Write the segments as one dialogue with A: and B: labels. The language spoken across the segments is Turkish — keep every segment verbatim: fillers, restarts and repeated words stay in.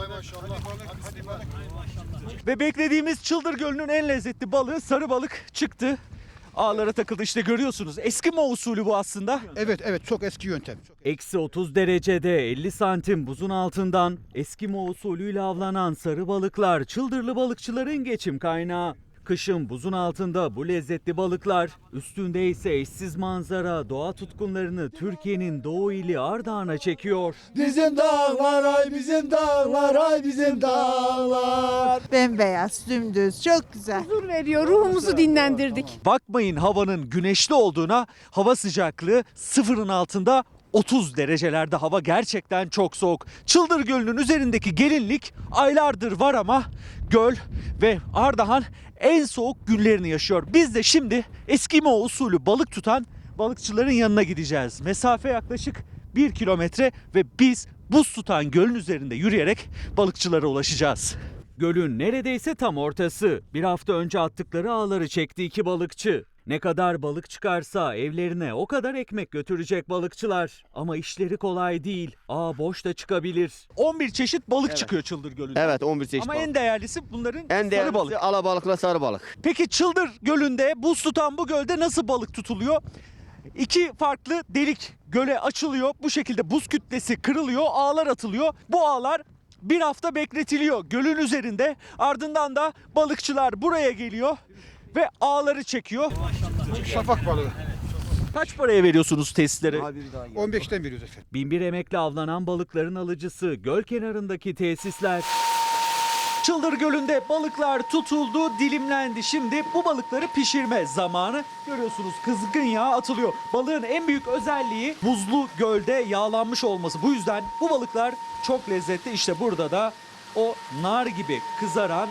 A: Ve beklediğimiz Çıldır Gölü'nün en lezzetli balığı sarı balık çıktı. Ağlara takıldı, işte görüyorsunuz. Eskimo usulü bu aslında.
B: Evet evet çok eski yöntem.
A: Eksi otuz derecede elli santim buzun altından Eskimo usulüyle avlanan sarı balıklar çıldırlı balıkçıların geçim kaynağı. Kışın buzun altında bu lezzetli balıklar, üstünde ise eşsiz manzara doğa tutkunlarını Türkiye'nin doğu ili Ardahan'a çekiyor.
C: Bizim dağlar ay bizim dağlar ay bizim dağlar.
D: Bembeyaz, dümdüz, çok güzel.
E: Huzur veriyor, ruhumuzu dinlendirdik.
A: Bakmayın havanın güneşli olduğuna, hava sıcaklığı sıfırın altında otuz derecelerde, hava gerçekten çok soğuk. Çıldır Gölü'nün üzerindeki gelinlik aylardır var ama göl ve Ardahan en soğuk günlerini yaşıyor. Biz de şimdi Eskimo usulü balık tutan balıkçıların yanına gideceğiz. Mesafe yaklaşık bir kilometre ve biz buz tutan gölün üzerinde yürüyerek balıkçılara ulaşacağız. Gölün neredeyse tam ortası. Bir hafta önce attıkları ağları çekti iki balıkçı. Ne kadar balık çıkarsa evlerine o kadar ekmek götürecek balıkçılar. Ama işleri kolay değil. Ağ boş da çıkabilir. on bir çeşit balık
F: Evet.
A: çıkıyor Çıldır Gölü'nde.
F: Evet on bir çeşit
A: Ama
F: balık.
A: en değerlisi bunların
F: En
A: sarı
F: değerlisi
A: balık.
F: alabalıkla sarı balık.
A: Peki Çıldır Gölü'nde, buz tutan bu gölde nasıl balık tutuluyor? İki farklı delik göle açılıyor. Bu şekilde buz kütlesi kırılıyor, ağlar atılıyor. Bu ağlar bir hafta bekletiliyor gölün üzerinde. Ardından da balıkçılar buraya geliyor ve ağları çekiyor.
B: Şafak balığı.
A: Kaç paraya veriyorsunuz tesislere?
B: on beşten veriyoruz efendim.
A: Binbir emekle avlanan balıkların alıcısı göl kenarındaki tesisler. Çıldır Gölü'nde balıklar tutuldu, dilimlendi. Şimdi bu balıkları pişirme zamanı. Görüyorsunuz kızgın yağ atılıyor. Balığın en büyük özelliği buzlu gölde yağlanmış olması. Bu yüzden bu balıklar çok lezzetli. İşte burada da o nar gibi kızaran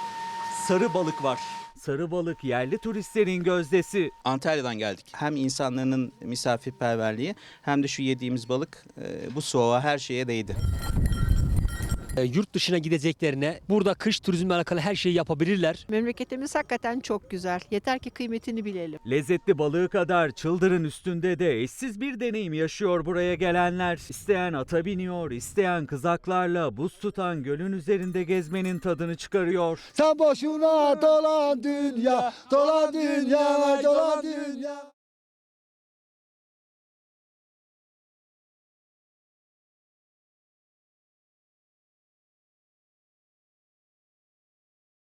A: sarı balık var. Sarı balık yerli turistlerin gözdesi.
G: Antalya'dan geldik. Hem insanların misafirperverliği hem de şu yediğimiz balık e, bu soğuğa her şeye değdi.
H: E, yurt dışına gideceklerine burada kış turizmle alakalı her şeyi yapabilirler.
E: Memleketimiz hakikaten çok güzel. Yeter ki kıymetini bilelim.
A: Lezzetli balığı kadar çıldırın üstünde de eşsiz bir deneyim yaşıyor buraya gelenler. İsteyen ata biniyor, isteyen kızaklarla buz tutan gölün üzerinde gezmenin tadını çıkarıyor.
C: Sen boşuna dolan dünya, dolan dünya, dolan dünya.